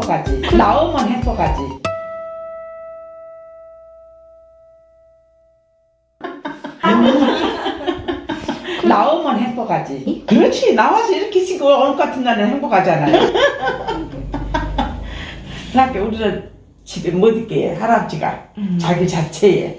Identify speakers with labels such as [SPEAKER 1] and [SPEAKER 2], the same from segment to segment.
[SPEAKER 1] 행복하지. 나오면 행복하지. 나오면 행복하지. 그렇지. 나와서 이렇게 지고 오늘 같은 날은 행복하잖아요. 그러니까 우리는 집에 못 있게 할아버지가 자기 자체에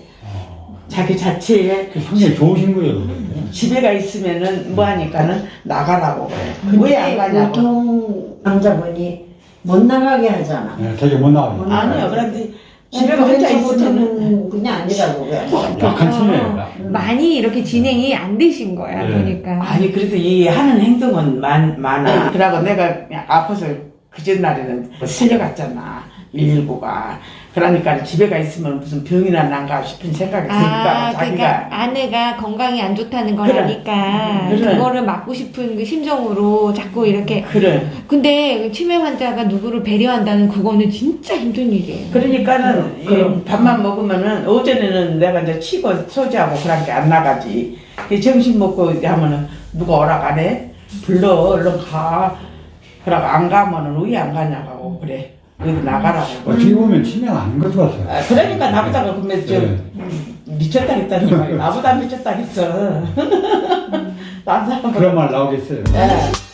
[SPEAKER 2] 그 상당히 좋으신 거예요.
[SPEAKER 1] 집에가 있으면은 뭐 하니까는 나가라고 그래. 왜
[SPEAKER 3] 근데
[SPEAKER 1] 안 가냐고.
[SPEAKER 3] 보통 남자분이 못 나가게 하잖아.
[SPEAKER 2] 네, 되게 못 나와요.
[SPEAKER 1] 아니요. 그런데 집에가 혼자 있으면은
[SPEAKER 3] 못하는 그냥 아니라고 그래.
[SPEAKER 2] 약한 치매예요.
[SPEAKER 4] 많이 이렇게 진행이 안 되신 거야,
[SPEAKER 2] 네.
[SPEAKER 4] 보니까.
[SPEAKER 1] 아니 그래서 이 하는 행동은 많아. 그러고 내가 그냥 아파서 그 전날에는 실려갔잖아. 119가. 그러니까 집에가 있으면 무슨 병이나 난가 싶은 생각이 드니까 자기가.
[SPEAKER 4] 그러니까 아내가 건강이 안 좋다는 걸
[SPEAKER 1] 그래.
[SPEAKER 4] 아니까
[SPEAKER 1] 그래.
[SPEAKER 4] 그거를 막고 싶은 그 심정으로 자꾸 이렇게.
[SPEAKER 1] 그래.
[SPEAKER 4] 근데 치매 환자가 누구를 배려한다는 그거는 진짜 힘든 일이에요.
[SPEAKER 1] 그러니까는 이 밥만 먹으면은 어제는 내가 이제 치고 소지하고 그런 게 안 나가지. 이 점심 먹고 이제 하면은 누가 오락 안 해? 불러 얼른 가. 그러고 안 가면은 왜 안 가냐고 그래. 어디 나가라고.
[SPEAKER 2] 어떻게 보면 치매가 아닌 것 같아요.
[SPEAKER 1] 아, 그러니까 나보다가 그러면 좀
[SPEAKER 2] 네.
[SPEAKER 1] 미쳤다 했다는 말이야. 나보다 미쳤다 했어. 난 사람
[SPEAKER 2] 그런 말 나오겠어요.
[SPEAKER 1] 예.